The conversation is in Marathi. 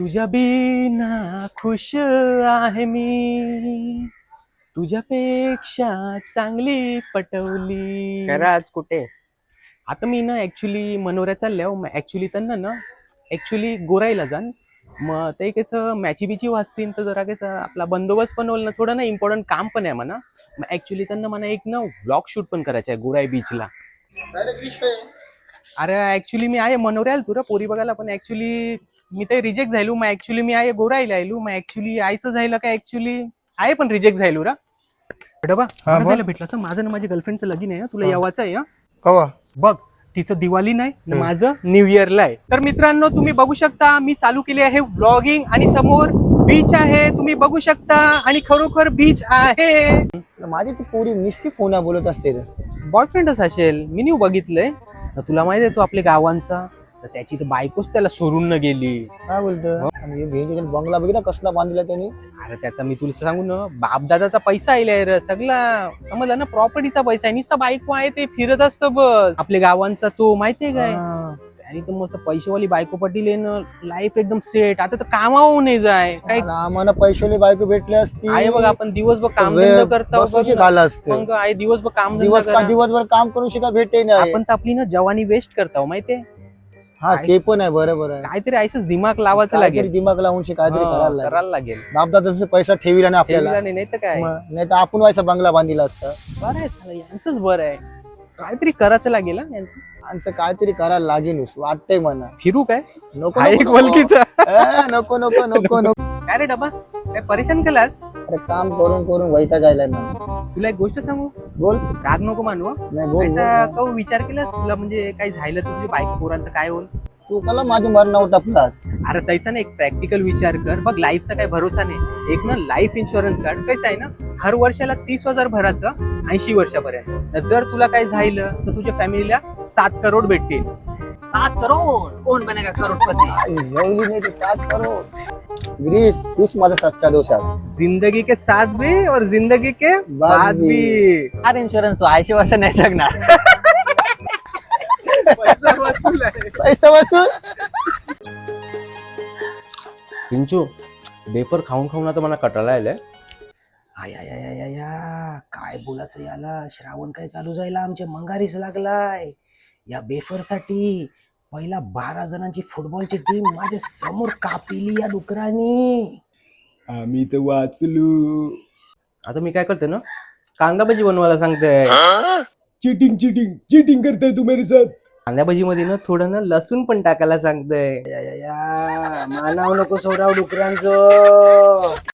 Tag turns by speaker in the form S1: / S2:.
S1: तुझ्या बिना खुश आहे मी, तुझ्यापेक्षा चांगली पटवली.
S2: खरं आज कुठे?
S1: आता मी ना ऍक्च्युली मनोऱ्या चालल्या मग ऍक्च्युली त्यांना ना ऍक्च्युली गोराईला जाण मग ते कसं मॅची बिची वाचतील तर जरा कसं आपला बंदोबस्त पण होईल ना, थोडं ना इम्पॉर्टंट काम पण आहे म्हणा. मग ऍक्च्युली त्यांना मला एक ना व्लॉग शूट पण करायचं आहे गोराई बीचला. अरे ऍक्च्युली मी आहे मनोऱ्याला तुला पोरी बघायला, पण ऍक्च्युली मी ते रिजेक्ट झालो. मग ऍक्च्युली मी आहे गोराईला आलो. मग ऍक्च्युली आयचं झालं का ऍक्च्युली आहे पण रिजेक्ट झालो रा डबा. झालं भेटलं असं माझं ना माझ्या गर्लफ्रेंडचं लगीन आहे, तुला यावाचं आहे.
S3: कवा
S1: बघ तिचं दिवाळी नाही न माझं न्यू इयरला आहे. तर मित्रांनो तुम्ही बघू शकता मी चालू केले आहे व्लॉगिंग आणि समोर बीच आहे तुम्ही बघू शकता आणि खरोखर बीच आहे.
S3: माझी ती पोरी निस्ती फोन बोलत असते रे.
S1: बॉयफ्रेंडच असेल मी न्यू बघितलंय. तुला माहिती आहे तो आपल्या गावांचा तर त्याची तर बायकोच त्याला सोडून न गेली.
S3: काय बोलतो आणि भेंडीकडे बंगला बघितला कसला बांधला त्यांनी.
S1: अरे त्याचा मी तुला सांगू ना बापदादाचा पैसा आलाय रे सगळा, समजला ना प्रॉपर्टीचा पैसा आहे. नुसता बायको आहे ते फिरत असतं बस आपल्या गावांचा तो माहितीये काय. आणि तर मस्त पैशावाली बायको पटील ना लाईफ एकदम सेट. आता तर कामावून नाही जाय काय
S3: आम्हाला पैशावाली बायको भेटली असती
S1: आहे बघ. आपण दिवसभर काम धंदा करता
S3: झालं असतं.
S1: मग आहे दिवसभर काम
S3: दिवसभर काम करू शिका भेटे नाही.
S1: आपण तर आपली ना जवानी वेस्ट करता माहितीये.
S3: हा ते पण आहे बरोबर आहे.
S1: काहीतरी ऐसच दिमाग लावायचं लागेल,
S3: दिमाग लावून काहीतरी
S1: करायला लागेल.
S3: बापदादा पैसा ठेवीला नाही आपल्याला,
S1: नाही तर काय
S3: नाही तर आपण व्हायचा बंगला बांधिला असता.
S1: बरं आहे साला, यांचंच बरं आहे. काहीतरी करायचं लागेल हा यांचं.
S3: आमचं काहीतरी करायला लागेल वाटतंय मला.
S1: फिरू काय
S3: नको
S1: एक वलकीचा
S3: नको नको नको नको.
S1: काय रे डबा काय परेशान केलास.
S3: अरे काम करून करून वैताग आलाय ना.
S1: तुला एक गोष्ट सांगू,
S3: बोल.
S1: राग नको मानू हं.
S3: नाही बोल
S1: ऐसा का विचार केलास तुला म्हणजे काही झालं तर तुझ्या बायको पोरांचं काय होईल.
S3: तू कला माझी मरण टपलास.
S1: अरे तैसा ना एक प्रॅक्टिकल विचार कर बघ. लाईफचा काही भरोसा नाही. एक ना लाईफ इन्शुरन्स काढ. कसं आहे ना हर वर्षाला 30,000 भरायचं 80 वर्षापर्यंत. जर तुला काय झालं तर तुझ्या फॅमिलीला 7 करोड भेटतील.
S2: 7 करोड कोण बनेगा करोडपती.
S3: जवली नाही ते 7 करोड. ग्रीस तूच माझा सच्चा दोष आहेस.
S1: जिंदगी के साथ भी और जिंदगी के बाद भी.
S2: कार इन्शुरन्स तो 80 वर्ष नाही जगणार.
S3: पैसा वसूल.
S1: पिंचू बेफर खाऊन खाऊन आता मला कटाळा आलाय. आया काय बोलायचं याला. श्रावण काय चालू जायला आमच्या मंगारीच लागलाय. या बेफर साठी पहिला 12 जणांची फुटबॉलची टीम माझ्या समोर कापिली या डुकरांनी. आम्ही तर वाचलो. आता मी काय करते ना कांदा भजी बनवायला सांगते.
S4: चीटिंग चीटिंग चीटिंग करताय तू मेरे साथ.
S1: कांदा भजी मध्ये ना थोडं ना लसूण पण टाकायला सांगतंय.
S2: मानाव नको सोडाव डुकरांचं.